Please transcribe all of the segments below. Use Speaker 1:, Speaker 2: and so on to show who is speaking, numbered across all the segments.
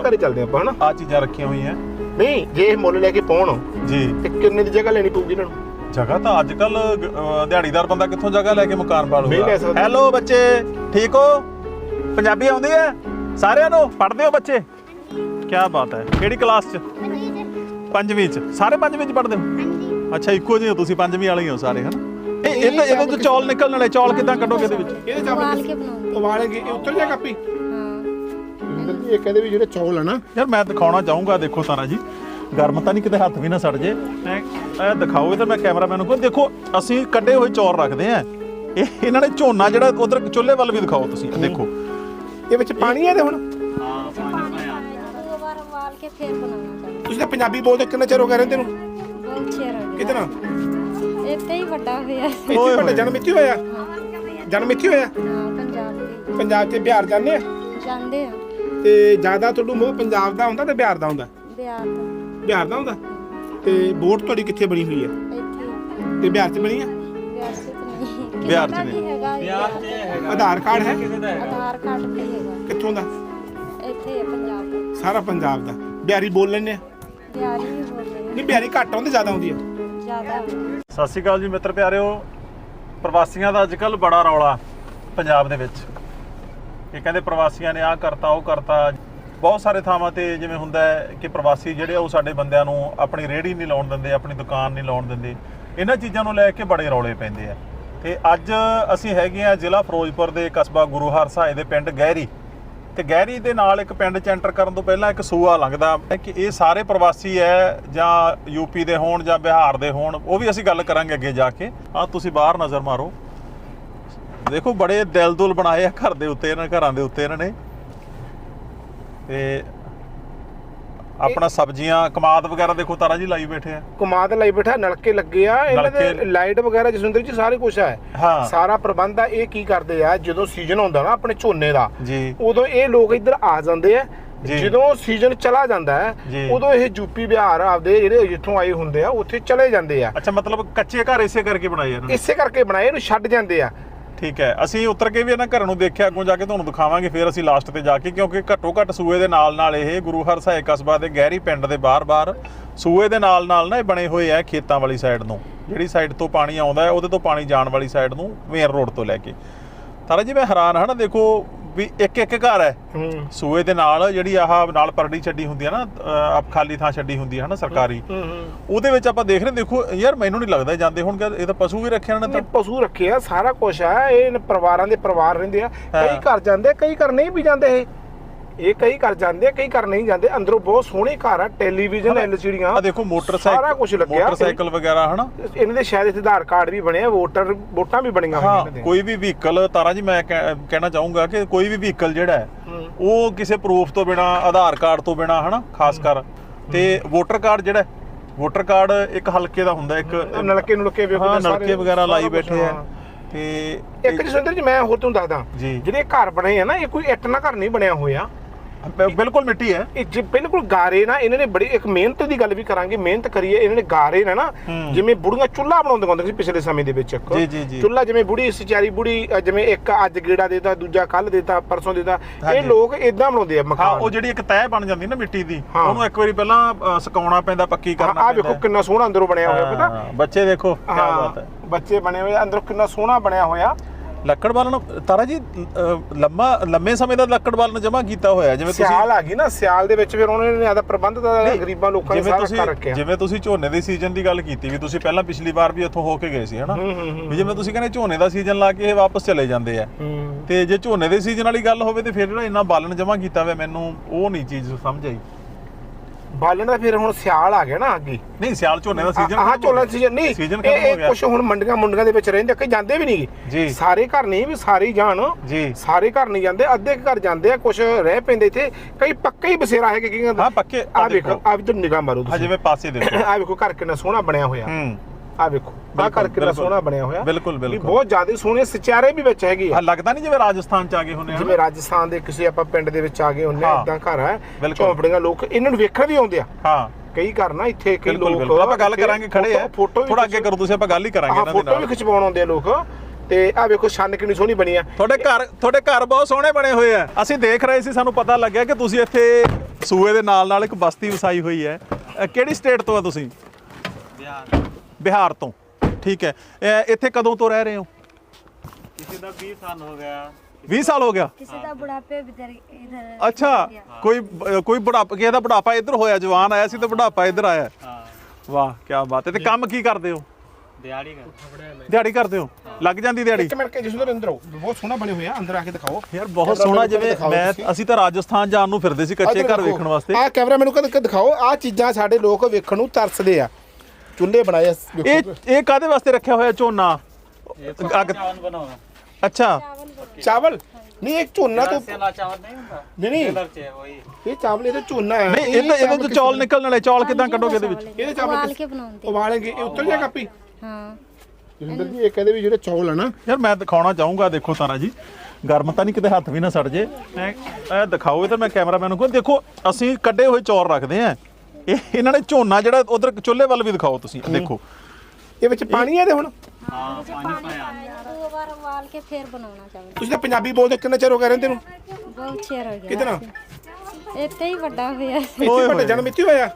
Speaker 1: ਘਰੇ ਚੱਲਦੇ ਆਪਾਂ ਹਨਾ।
Speaker 2: ਆ ਚੀਜ਼ਾਂ ਰੱਖੀਆਂ ਹੋਈਆਂ
Speaker 1: ਨਹੀਂ ਜੇ ਇਹ ਮੁੱਲ ਲੈ ਕੇ ਪਾਉਣ
Speaker 2: ਜੀ
Speaker 1: ਤੇ ਕਿੰਨੇ ਦੀ ਜਗ੍ਹਾ ਲੈਣੀ ਪਊਗੀ ਇਹਨਾਂ ਨੂੰ?
Speaker 2: ਜਗ੍ਹਾ ਤਾਂ ਅੱਜ ਕੱਲ ਦਿਹਾੜੀਦਾਰ ਬੰਦਾ ਕਿੱਥੋਂ ਜਗ੍ਹਾ ਲੈ ਕੇ ਮਕਾਨ ਪਾ
Speaker 1: ਨਹੀਂ ਲੈ
Speaker 2: ਲੂਗਾ।
Speaker 1: ਸਕਦਾ।
Speaker 2: ਹੈਲੋ ਬੱਚੇ, ਠੀਕ ਹੋ? ਪੰਜਾਬੀ ਆਉਂਦੀ ਹੈ ਸਾਰਿਆਂ ਨੂੰ? ਪੜ੍ਹਦੇ ਹੋ ਬੱਚੇ? ਕੀ ਬਾਤ ਹੈ। ਕਿਹੜੀ ਕਲਾਸ 'ਚ? 5ਵੀਂ 'ਚ। ਸਾਰੇ 5ਵੀਂ 'ਚ ਪੜ੍ਹਦੇ ਹੋ? ਅੱਛਾ, ਇੱਕੋ ਜਿਹੇ ਹੋ ਤੁਸੀਂ, 5ਵੀਂ ਵਾਲੇ ਹੋ ਸਾਰੇ ਹਨਾ। ਇਹਦੇ ਤੋਂ ਚੌਲ ਨਿਕਲਣ ਵਾਲੇ, ਚੌਲ ਕਿੱਦਾਂ ਕੱਢੋਗੇ ਇਹਦੇ ਵਿੱਚ?
Speaker 1: ਇਹਦੇ ਚ ਉਬਾਲ ਕੇ ਬਣਾਉਂਦੇ। ਉਬਾਲ ਕੇ ਉੱਤਰ ਜਾ ਕਾਪੀ। ਹਾਂ ਇਹ ਕਹਿੰਦੇ ਵੀ ਜਿਹੜੇ ਚੌਲ ਆ ਨਾ
Speaker 2: ਯਾਰ ਮੈਂ ਦਿਖਾਉਣਾ ਚਾਹੂੰਗਾ। ਦੇਖੋ ਤਾਰਾ ਜੀ, ਗਰਮ ਤਾਂ ਨਹੀਂ ਕਿਤੇ ਹੱਥ ਵੀ ਨਾ ਸੜ ਜੇ। ਇਹ ਦਿਖਾਓ ਇਹ ਤਾਂ ਮੈਂ ਕੈਮਰਾਮੈਨ ਨੂੰ ਕਹੂੰ ਦੇਖੋ ਅਸੀਂ ਕੱਢੇ ਹੋਏ ਚੌਲ ਰੱਖਦੇ ਆ। ਇਹਨਾਂ ਨੇ ਝੋਨਾ ਜਿਹੜਾ ਉਧਰ ਚੁੱਲ੍ਹੇ ਵੱਲ ਵੀ ਦਿਖਾਓ ਤੁਸੀਂ। ਦੇਖੋ
Speaker 1: ਇਹ ਵਿੱਚ ਪਾਣੀ ਹੈ ਤੇ ਹੁਣ
Speaker 3: ਹਾਂ ਦੋ ਵਾਰ ਉਬਾਲ ਕੇ ਫਿਰ ਬਣਾਉਣਾ ਚਾਹੀਦਾ।
Speaker 1: ਤੁਸੀਂ ਤਾਂ ਪੰਜਾਬੀ ਬੋਲਦੇ ਕਿੰਨਾ ਚਿਰ ਹੋ ਗਿਆ ਰਹਿੰਦੇ ਨੂੰ?
Speaker 3: ਬਹੁਤ ਚਿਰ ਹੋ ਗਿਆ।
Speaker 1: ਕਿਤਨਾ
Speaker 3: ਇੱਥੇ ਹੀ ਵੱਡਾ ਹੋਇਆ।
Speaker 1: ਇੱਥੇ ਵੱਡਾ ਜਨਮ ਇੱਥੇ ਹੋਇਆ? ਜਨਮ ਇੱਥੇ ਹੋਇਆ?
Speaker 3: ਹਾਂ ਪੰਜਾਬ ਦੇ।
Speaker 1: ਪੰਜਾਬ ਤੇ ਬਿਹਾਰ ਜਾਂਦੇ ਆ?
Speaker 3: ਜਾਂਦੇ ਆ।
Speaker 1: ਤੇ ਜ਼ਿਆਦਾ ਤੁਹਾਨੂੰ ਮੋਹ ਪੰਜਾਬ ਦਾ ਹੁੰਦਾ ਤੇ ਬਿਹਾਰ ਦਾ ਹੁੰਦਾ?
Speaker 3: ਬਿਹਾਰ ਤੋਂ।
Speaker 1: ਬਿਹਾਰ ਦਾ ਹੁੰਦਾ। ਤੇ ਵੋਟ ਤੁਹਾਡੀ ਕਿੱਥੇ ਬਣੀ ਹੋਈ ਹੈ?
Speaker 3: ਇੱਥੇ।
Speaker 1: ਤੇ ਬਿਹਾਰ 'ਚ ਬਣੀ ਆ?
Speaker 3: ਬਿਹਾਰ ਸੇ ਤਾਂ ਨਹੀਂ।
Speaker 2: ਬਿਹਾਰ 'ਚ ਨਹੀਂ
Speaker 3: ਹੈਗਾ। ਬਿਹਾਰ 'ਚ ਹੈਗਾ।
Speaker 1: ਆਧਾਰ ਕਾਰਡ ਹੈ?
Speaker 3: ਆਧਾਰ ਕਾਰਡ ਵੀ ਹੈਗਾ।
Speaker 1: ਕਿੱਥੋਂ ਦਾ?
Speaker 3: ਇੱਥੇ ਹੈ ਪੰਜਾਬ ਦਾ।
Speaker 1: ਸਾਰਾ ਪੰਜਾਬ ਦਾ। ਬਿਹਾਰੀ ਬੋਲ ਲੈਂਦੇ ਆ?
Speaker 3: ਬਿਹਾਰੀ ਵੀ ਬੋਲਦੇ
Speaker 1: ਨਹੀਂ ਬਿਹਾਰੀ ਘੱਟ ਆਉਂਦੇ ਜ਼ਿਆਦਾ ਆਉਂਦੀ ਆ?
Speaker 3: ਜ਼ਿਆਦਾ।
Speaker 2: ਸਤਿ ਸ਼੍ਰੀ ਅਕਾਲ ਜੀ ਮਿੱਤਰ ਪਿਆਰਿਓ। ਪ੍ਰਵਾਸੀਆਂ ਦਾ ਅੱਜ ਕੱਲ੍ਹ ਬੜਾ ਰੌਲਾ ਪੰਜਾਬ ਦੇ ਵਿੱਚ। ਇਹ ਕਹਿੰਦੇ ਪ੍ਰਵਾਸੀਆਂ ਨੇ ਆਹ ਕਰਤਾ ਉਹ ਕਰਤਾ। ਬਹੁਤ ਸਾਰੇ ਥਾਵਾਂ ਤੇ ਜਿਵੇਂ ਹੁੰਦਾ ਹੈ ਕਿ ਪ੍ਰਵਾਸੀ ਜਿਹੜੇ ਉਹ ਸਾਡੇ ਬੰਦਿਆਂ ਨੂੰ ਆਪਣੀ ਰੇਹੜੀ ਨਹੀਂ ਲਾਉਣ ਦਿੰਦੇ, ਆਪਣੀ ਦੁਕਾਨ ਨਹੀਂ ਲਾਉਣ ਦਿੰਦੇ। ਇਹਨਾਂ ਚੀਜ਼ਾਂ ਨੂੰ ਲੈ ਕੇ ਬੜੇ ਰੌਲੇ ਪੈਂਦੇ ਆ। ਤੇ ਅੱਜ ਅਸੀਂ ਹੈਗੇ ਆ ਜ਼ਿਲ੍ਹਾ ਫਿਰੋਜ਼ਪੁਰ ਦੇ ਕਸਬਾ ਗੁਰੂ ਹਰਸਹਾਏ ਦੇ ਪਿੰਡ ਗਹਿਰੀ। ਤੇ ਗਹਿਰੀ ਦੇ ਨਾਲ ਇੱਕ ਪਿੰਡ 'ਚ ਐਂਟਰ ਕਰਨ ਤੋਂ ਪਹਿਲਾਂ ਇੱਕ ਸੂਆ ਲੰਘਦਾ ਕਿ ਇਹ ਸਾਰੇ ਪ੍ਰਵਾਸੀ ਹੈ ਜਾਂ ਯੂਪੀ ਦੇ ਹੋਣ ਜਾਂ ਬਿਹਾਰ ਦੇ ਹੋਣ, ਉਹ ਵੀ ਅਸੀਂ ਗੱਲ ਕਰਾਂਗੇ ਅੱਗੇ ਜਾ ਕੇ। ਆਹ ਤੁਸੀਂ ਬਾਹਰ ਨਜ਼ਰ ਮਾਰੋ, ਦੇਖੋ ਬੜੇ ਦਿਲ ਦੁਲ ਬਣਾਏ ਆ ਘਰ ਦੇ ਉੱਤੇ, ਇਹਨਾਂ ਘਰਾਂ ਦੇ ਉੱਤੇ ਇਹਨਾਂ ਨੇ। ਤੇ ਆਪਣਾ ਸਬਜ਼ੀਆਂ ਕਮਾਦ ਵਗੈਰਾ ਦੇਖੋ ਤਾਰਾ ਜੀ ਲਾਈ ਬੈਠੇ ਆ।
Speaker 1: ਕਮਾਦ ਲਾਈ ਬੈਠਾ, ਨਲਕੇ ਲੱਗੇ ਆ ਇਹਨਾਂ ਦੇ, ਲਾਈਟ ਵਗੈਰਾ ਜਸਵਿੰਦਰ ਜੀ ਸਾਰੇ ਕੁਝ ਹੈ। ਸਾਰਾ ਪ੍ਰਬੰਧ ਆ। ਇਹ ਕੀ ਕਰਦੇ ਆ ਜਦੋਂ ਸੀਜ਼ਨ ਹੁੰਦਾ ਨਾ ਆਪਣੇ ਝੋਨੇ ਦਾ
Speaker 2: ਜੀ,
Speaker 1: ਉਦੋਂ ਇਹ ਲੋਕ ਇੱਧਰ ਆ ਜਾਂਦੇ ਆ। ਜਦੋਂ ਸੀਜ਼ਨ ਚਲਾ ਜਾਂਦਾ ਹੈ ਉਦੋਂ ਇਹ ਯੂਪੀ ਬਿਹਾਰ ਆਪਦੇ ਜਿਹੜੇ ਜਿੱਥੋਂ ਆਏ ਹੁੰਦੇ ਆ ਉੱਥੇ ਚਲੇ ਜਾਂਦੇ ਆ।
Speaker 2: ਅੱਛਾ, ਮਤਲਬ ਕੱਚੇ ਘਰ ਇਸੇ ਕਰਕੇ ਬਣਾਏ ਇਹਨਾਂ ਨੇ?
Speaker 1: ਇਸੇ ਕਰਕੇ ਬਣਾਏ, ਇਹਨੂੰ ਛੱਡ ਜਾਂਦੇ ਆ।
Speaker 2: ਠੀਕ ਹੈ, ਅਸੀਂ ਉਤਰ ਕੇ ਵੀ ਇਹਨਾਂ ਘਰਾਂ ਨੂੰ ਦੇਖਿਆ, ਅੱਗੋਂ ਜਾ ਕੇ ਤੁਹਾਨੂੰ ਦਿਖਾਵਾਂਗੇ ਫਿਰ ਅਸੀਂ ਲਾਸਟ ਤੇ ਜਾ ਕੇ, ਕਿਉਂਕਿ ਘੱਟੋ ਘੱਟ ਸੂਏ ਦੇ ਨਾਲ ਇਹ ਗੁਰੂ ਹਰਸਹਾਏ ਕਸਬਾ ਦੇ ਗਹਿਰੀ ਪਿੰਡ ਦੇ ਬਾਹਰ ਸੂਏ ਦੇ ਨਾਲ ਨਾ ਇਹ ਬਣੇ ਹੋਏ ਆ ਖੇਤਾਂ ਵਾਲੀ ਸਾਈਡ ਨੂੰ। ਜਿਹੜੀ ਸਾਈਡ ਤੋਂ ਪਾਣੀ ਆਉਂਦਾ ਹੈ ਉਹਦੇ ਤੋਂ ਪਾਣੀ ਜਾਣ ਵਾਲੀ ਸਾਈਡ ਨੂੰ, ਮੇਨ ਰੋਡ ਤੋਂ ਲੈ ਕੇ। ਤਾਰਾ ਜੀ ਮੈਂ ਹੈਰਾਨ ਹਾਂ ਨਾ, ਦੇਖੋ ਵੀ ਇੱਕ ਘਰ ਹੈ ਸੂਏ ਦੇ ਨਾਲ, ਜਿਹੜੀ ਆਹ ਨਾਲ ਪਰੜੀ ਛੱਡੀ ਹੁੰਦੀ ਹੈ ਨਾ, ਖਾਲੀ ਥਾਂ ਛੱਡੀ ਹੁੰਦੀ ਹੈ ਨਾ ਸਰਕਾਰੀ, ਉਹਦੇ ਵਿੱਚ ਆਪਾਂ ਦੇਖ ਰਹੇ। ਦੇਖੋ ਯਾਰ ਮੈਨੂੰ ਨਹੀਂ ਲੱਗਦਾ ਜਾਂਦੇ ਹੁਣ, ਇਹ ਤਾਂ ਪਸ਼ੂ ਵੀ ਰੱਖੇ ਇਹਨਾਂ ਨੇ।
Speaker 1: ਪਸ਼ੂ ਰੱਖੇ ਆ, ਸਾਰਾ ਕੁਝ ਆ। ਇਹ ਪਰਿਵਾਰਾਂ ਦੇ ਪਰਿਵਾਰ ਰਹਿੰਦੇ ਆ। ਕਈ ਘਰ ਜਾਂਦੇ, ਕਈ ਘਰ ਨਹੀਂ ਵੀ ਜਾਂਦੇ। ਇਹ ਕਈ ਘਰ ਜਾਂਦੇ, ਕਈ ਘਰ ਨਹੀਂ ਜਾਂਦੇ। ਅੰਦਰੋਂ ਬਹੁਤ ਸੋਹਣੇ ਘਰ ਆ, ਟੈਲੀਵਿਜ਼ਨ, ਐਲਸੀਡੀਆਂ,
Speaker 2: ਆ ਦੇਖੋ ਮੋਟਰਸਾਈਕਲ,
Speaker 1: ਸਾਰਾ ਕੁਝ ਲੱਗਿਆ।
Speaker 2: ਮੋਟਰਸਾਈਕਲ ਵਗੈਰਾ ਹਨਾ।
Speaker 1: ਇਹਨਾਂ ਦੇ ਸ਼ਾਇਦ ਇੱਥੇ ਆਧਾਰ ਕਾਰਡ ਵੀ ਬਣੇ ਆ, ਵੋਟਾਂ ਵੀ ਬਣੀਆਂ ਹੋਈਆਂ ਇਹਨਾਂ ਦੇ।
Speaker 2: ਕੋਈ ਵੀ ਵਹੀਕਲ ਤਾਰਾ ਜੀ ਮੈਂ ਕਹਿਣਾ ਚਾਹੂੰਗਾ ਕਿ ਕੋਈ ਵੀ ਵਹੀਕਲ ਜਿਹੜਾ ਹੈ ਉਹ ਕਿਸੇ ਪ੍ਰੂਫ ਤੋਂ ਬਿਨਾ, ਆਧਾਰ ਕਾਰਡ ਤੋਂ ਬਿਨਾ ਹਨਾ, ਖਾਸ ਕਰ। ਤੇ ਵੋਟਰ ਕਾਰਡ ਜਿਹੜਾ, ਵੋਟਰ ਕਾਰਡ ਇੱਕ ਹਲਕੇ ਦਾ ਹੁੰਦਾ, ਇੱਕ
Speaker 1: ਨਲਕੇ ਨੁਲਕੇ
Speaker 2: ਨਲਕੇ ਵਗੈਰਾ ਲਾਈ ਬੈਠੇ ਆ। ਤੇ
Speaker 1: ਇੱਕ ਜਸਵਿੰਦਰ ਜੀ ਮੈਂ ਹੋਰ ਤੁਹਾਨੂੰ ਦੱਸਦਾ, ਜਿਹੜੇ ਘਰ ਬਣੇ ਆ ਨਾ, ਇਹ ਕੋਈ ਇੱਟ ਨਾਲ ਘਰ ਨਹੀਂ ਬਣਿਆ ਹੋਇਆ,
Speaker 2: ਬਿਲਕੁਲ ਮਿੱਟੀ ਹੈ
Speaker 1: ਇਹ। ਬਿਲਕੁਲ ਗਾਰੇ ਨਾ। ਇਹਨਾਂ ਨੇ ਬੜੀ ਇੱਕ ਮਿਹਨਤ ਦੀ ਗੱਲ ਵੀ ਕਰਾਂਗੇ, ਮਿਹਨਤ ਕਰੀਏ। ਇਹਨਾਂ ਨੇ ਗਾਰੇ ਨਾ ਜਿਵੇਂ ਬੁੜੀਆਂ ਚੁੱਲ੍ਹਾ ਬਣਾਉਂਦੇ ਹੁੰਦੇ ਸੀ ਪਿਛਲੇ ਸਮੇਂ ਦੇ ਵਿੱਚ। ਚੁੱਲ੍ਹਾ ਜਿਵੇਂ ਬੁੜੀ ਸਚਾਰੀ ਬੁੜੀ, ਜਿਵੇਂ ਇੱਕ ਅੱਜ ਗੇੜਾ ਦੇਤਾ, ਦੂਜਾ ਕੱਲ ਦੇਤਾ, ਪਰਸੋਂ ਦੇਤਾ, ਇਹ ਲੋਕ ਇਦਾਂ ਬਣਾਉਂਦੇ ਆ ਮਕਾਨ।
Speaker 2: ਉਹ ਜਿਹੜੀ ਇੱਕ ਤਹਿ ਬਣ ਜਾਂਦੀ ਨਾ ਮਿੱਟੀ ਦੀ, ਉਹਨੂੰ ਇੱਕ ਵਾਰੀ ਪਹਿਲਾਂ ਸੁਕਾਉਣਾ ਪੈਂਦਾ, ਪੱਕੀ ਕਰਨਾ ਪੈਂਦਾ।
Speaker 1: ਆਹ ਵੇਖੋ ਕਿੰਨਾ ਸੋਹਣਾ ਅੰਦਰੋਂ ਬਣਿਆ ਹੋਇਆ, ਪਤਾ
Speaker 2: ਬੱਚੇ ਦੇਖੋ ਕੀ ਬਾਤ ਹੈ।
Speaker 1: ਬੱਚੇ ਬਣੇ ਹੋਏ ਅੰਦਰੋਂ, ਕਿੰਨਾ ਸੋਹਣਾ ਬਣਿਆ ਹੋਇਆ।
Speaker 2: ਲੱਕੜ ਬਾਲਣ ਤਾਰਾ ਜੀ ਲੰਮੇ ਸਮੇਂ ਦਾ ਲੱਕੜ ਬਾਲਣ ਜਮਾ ਕੀਤਾ ਹੋਇਆ। ਜਿਵੇਂ ਤੁਸੀਂ
Speaker 1: ਸਿਆਲ ਆ ਗਈ ਨਾ, ਸਿਆਲ ਦੇ ਵਿੱਚ ਫਿਰ ਉਹਨਾਂ ਨੇ ਆਦਾ ਪ੍ਰਬੰਧ ਦਾ ਗਰੀਬਾਂ ਲੋਕਾਂ ਨੇ ਸਾਰਾ ਕਰ ਰੱਖਿਆ।
Speaker 2: ਜਿਵੇਂ ਤੁਸੀਂ ਝੋਨੇ ਦੇ ਸੀਜ਼ਨ ਦੀ ਗੱਲ ਕੀਤੀ, ਵੀ ਤੁਸੀਂ ਪਹਿਲਾਂ ਪਿਛਲੀ ਵਾਰ ਵੀ ਇੱਥੋਂ ਹੋ ਕੇ ਗਏ ਸੀ ਹਨਾ, ਵੀ ਜਿਵੇਂ ਤੁਸੀਂ ਕਹਿੰਦੇ ਝੋਨੇ ਦਾ ਸੀਜ਼ਨ ਲਾ ਕੇ ਇਹ ਵਾਪਸ ਚਲੇ ਜਾਂਦੇ ਆ। ਤੇ ਜੇ ਝੋਨੇ ਦੇ ਸੀਜ਼ਨ ਵਾਲੀ ਗੱਲ ਹੋਵੇ ਤੇ ਫਿਰ ਜਿਹੜਾ ਇੰਨਾ ਬਾਲਣ ਜਮਾ ਕੀਤਾ ਹੋਇਆ, ਮੈਨੂੰ ਉਹ ਨਹੀਂ ਚੀਜ਼ ਸਮਝ ਆਈ।
Speaker 1: ਬਾਲਣ ਦਾ ਫਿਰ ਹੁਣ ਸਿਆਲ ਆ ਗਿਆ ਨਾ ਅੱਗੇ।
Speaker 2: ਨਹੀਂ ਸਿਆਲ ਝੋਨੇ ਦਾ ਸੀਜ਼ਨ,
Speaker 1: ਹਾਂ ਝੋਨੇ ਦਾ ਸੀਜ਼ਨ ਨਹੀਂ, ਇਹ ਕੁਝ ਹੁਣ ਮੰਡੀਆਂ ਦੇ ਵਿੱਚ ਰਹਿੰਦੇ, ਕਈ ਜਾਂਦੇ ਵੀ ਨਹੀਂ ਜੀ। ਸਾਰੇ ਘਰ ਨਹੀਂ ਵੀ ਸਾਰੇ ਜਾਣ ਜੀ, ਸਾਰੇ ਘਰ ਨਹੀਂ ਜਾਂਦੇ, ਅੱਧੇ ਘਰ ਜਾਂਦੇ ਆ, ਕੁਝ ਰਹਿ ਪੈਂਦੇ ਇੱਥੇ, ਕਈ ਪੱਕੇ ਹੀ ਬਸੇਰਾ ਹੈਗੇ। ਕੀ
Speaker 2: ਹਾਂ ਪੱਕੇ।
Speaker 1: ਆ ਵੇਖੋ, ਆ ਵੀ ਤਾਂ ਨਿਗਾਹ ਮਾਰੋ ਤੁਸੀਂ,
Speaker 2: ਜਿਵੇਂ ਪਾਸੇ ਦੇਖੋ,
Speaker 1: ਆ ਵੇਖੋ ਘਰ ਕਿੰਨਾ ਸੋਹਣਾ ਬਣਿਆ ਹੋਇਆ। ਆ ਵੇਖੋ ਆ ਘਰ ਕਿੰਨਾ ਸੋਹਣਾ ਬਣਿਆ ਹੋਇਆ।
Speaker 2: ਬਿਲਕੁਲ
Speaker 1: ਬਹੁਤ ਜ਼ਿਆਦਾ ਸੋਹਣੇ ਸਚਾਰੇ ਵੀ ਵਿੱਚ ਹੈਗੇ ਆ।
Speaker 2: ਲੱਗਦਾ ਨਹੀਂ ਜਿਵੇਂ ਰਾਜਸਥਾਨ ਚ ਆ ਗਏ ਹੁੰਦੇ ਆ,
Speaker 1: ਜਿਵੇਂ ਰਾਜਸਥਾਨ ਦੇ ਕਿਸੇ ਆਪਾਂ ਪਿੰਡ ਦੇ ਵਿੱਚ ਆ ਗਏ ਹੁੰਦੇ ਆ, ਇਦਾਂ ਘਰ ਆ, ਝੌਂਪੜੀਆਂ। ਲੋਕ ਇਹਨਾਂ ਨੂੰ ਵੇਖਣ ਵੀ ਆਉਂਦੇ ਆ।
Speaker 2: ਹਾਂ
Speaker 1: ਕਈ ਘਰ ਨਾ ਇੱਥੇ ਕਈ ਲੋਕ,
Speaker 2: ਆਪਾਂ ਗੱਲ ਕਰਾਂਗੇ, ਖੜੇ ਆ, ਥੋੜਾ ਅੱਗੇ ਕਰੋ ਤੁਸੀਂ, ਆਪਾਂ ਗੱਲ ਹੀ ਕਰਾਂਗੇ ਇਹਨਾਂ ਦੇ ਨਾਲ।
Speaker 1: ਫੋਟੋ ਵੀ ਖਿਚਵਾਉਣ ਆਉਂਦੇ ਆ ਲੋਕ। ਤੇ ਆ ਵੇਖੋ ਛੰਨ ਕਿੰਨੀ ਸੋਹਣੀ ਬਣੀ ਆ।
Speaker 2: ਤੁਹਾਡੇ ਘਰ ਬਹੁਤ ਸੋਹਣੇ ਬਣੇ ਹੋਏ ਆ। ਅਸੀਂ ਦੇਖ ਰਹੇ ਸੀ, ਸਾਨੂੰ ਪਤਾ ਲੱਗਿਆ ਕਿ ਤੁਸੀਂ ਇੱਥੇ ਸੂਏ ਦੇ ਨਾਲ ਇੱਕ ਬਸਤੀ ਵਸਾਈ ਹੋਈ ਹੈ। ਕਿਹੜੀ ਸਟੇਟ ਤੋਂ ਆ ਤੁਸੀਂ? ਬਿਹਾਰ ਤੋਂ। ਠੀਕ ਹੈ, ਇੱਥੇ ਕਦੋਂ ਤੋਂ ਰਹਿ ਰਹੇ ਹੋ?
Speaker 4: किसी का 20 साल हो गया।
Speaker 2: 20 साल हो गया।
Speaker 3: किसी का बुढ़ापे इधर
Speaker 2: अच्छा, कोई बुढ़ापा, ਕਿਸੇ ਦਾ ਬੁਢਾਪਾ ਇੱਧਰ ਹੋਇਆ, ਜਵਾਨ ਆਇਆ ਸੀ ਤੇ ਬੁਢਾਪਾ ਇੱਧਰ ਆਇਆ।
Speaker 4: हाँ
Speaker 2: ਵਾਹ ਕੀ ਬਾਤ ਹੈ। ਤੇ ਕੰਮ ਕੀ ਕਰਦੇ ਹੋ?
Speaker 4: दिहाड़ी का।
Speaker 2: ਦਿਹਾੜੀ ਕਰਦੇ ਹੋ? ਲੱਗ ਜਾਂਦੀ ਦਿਹਾੜੀ?
Speaker 1: ਇੱਕ ਮਿੰਟ ਕੇ ਜਿਸ ਨੂੰ ਅੰਦਰ ਆਓ, ਬਹੁਤ ਸੋਹਣਾ ਬਣੇ ਹੋਏ ਆ, ਅੰਦਰ ਆ ਕੇ ਦਿਖਾਓ
Speaker 2: ਯਾਰ ਬਹੁਤ ਸੋਹਣਾ। ਜਿਵੇਂ ਅਸੀਂ ਤਾਂ ਰਾਜਸਥਾਨ ਜਾਣ ਨੂੰ ਫਿਰਦੇ ਸੀ ਕੱਚੇ ਘਰ ਵੇਖਣ ਵਾਸਤੇ।
Speaker 1: ਆ ਕੈਮਰਾ ਮੈਨੂੰ ਕਦੇ ਦਿਖਾਓ, ਆ ਚੀਜ਼ਾਂ ਸਾਡੇ ਲੋਕ ਵੇਖਣ ਨੂੰ ਤਰਸਦੇ ਆ। ਚੁੱਲ੍ਹੇ ਬਣਾਏ
Speaker 2: ਇਹ ਕਾਦੇ ਵਾਸਤੇ ਰੱਖਿਆ ਹੋਇਆ ਝੋਨਾ?
Speaker 4: चावल बनाओ।
Speaker 2: ਅੱਛਾ,
Speaker 1: ਚਾਵਲ ਨਹੀਂ, ਇੱਕ ਝੋਨਾ ਤੋਂ
Speaker 4: सेला चावल नहीं होता।
Speaker 1: ਨਹੀਂ
Speaker 4: कलर चाहिए वही।
Speaker 1: ਇਹ ਚਾਵਲ ਇਹਦਾ ਝੋਨਾ ਹੈ।
Speaker 2: ਨਹੀਂ ਇਹਦੇ ਤੋਂ ਚੌਲ ਨਿਕਲਣ ਵਾਲੇ। ਚੌਲ ਕਿਦਾਂ ਕੱਢੋਗੇ ਇਹਦੇ ਵਿੱਚ?
Speaker 1: ਇਹਦੇ ਚਾਵਲ
Speaker 3: उबाल के बनाते
Speaker 1: ਉਬਾਲਣਗੇ, ਇਹ ਉੱਤਰ ਜਾ ਕਾਪੀ।
Speaker 3: हाँ
Speaker 1: ਜਸਿੰਦਰ ਜੀ ਇਹ ਕਹਿੰਦੇ ਵੀ ਜਿਹੜੇ ਚੌਲ ਆ ਨਾ,
Speaker 2: ਯਾਰ ਮੈਂ ਦਿਖਾਉਣਾ ਚਾਹੂੰਗਾ। ਦੇਖੋ ਤਾਰਾ ਜੀ, ਗਰਮ ਤਾਂ ਨਹੀਂ, ਕਿਤੇ ਹੱਥ ਵੀ ਨਾ ਸੜ ਜੇ। ਇਹ ਦਿਖਾਓ। ਇਹ ਤਾਂ ਮੈਂ ਕੈਮਰਾਮੈਨ ਨੂੰ ਕਹਾਂ, ਦੇਖੋ ਅਸੀਂ ਕੱਢੇ ਹੋਏ ਚੌਲ ਰੱਖਦੇ ਆ। ਇਹਨਾਂ ਨੇ ਝੋਨਾ ਜਿਹੜਾ ਉਧਰ ਚੁੱਲ੍ਹੇ ਵੱਲ ਵੀ ਦਿਖਾਓ ਤੁਸੀਂ। ਦੇਖੋ
Speaker 1: ਇਹ ਵਿੱਚ ਪਾਣੀ ਹੈ ਇਹਦੇ ਹੁਣ।
Speaker 4: हाँ पानी पाया।
Speaker 3: दो बार उबाल के फिर बनाना चाहिए।
Speaker 1: ਤੁਸੀਂ ਤਾਂ ਪੰਜਾਬੀ ਬੋਲਦੇ, ਕਿੰਨਾ ਚਿਰ ਹੋ ਗਿਆ ਰਹਿੰਦੇ ਨੂੰ?
Speaker 3: बहुत चेर हो गया।
Speaker 1: कितना?
Speaker 3: इतना ही बड़ा हुआ।
Speaker 1: ਇੱਥੇ ਵੱਡੇ ਜਨਮ ਇੱਥੇ ਹੋਇਆ?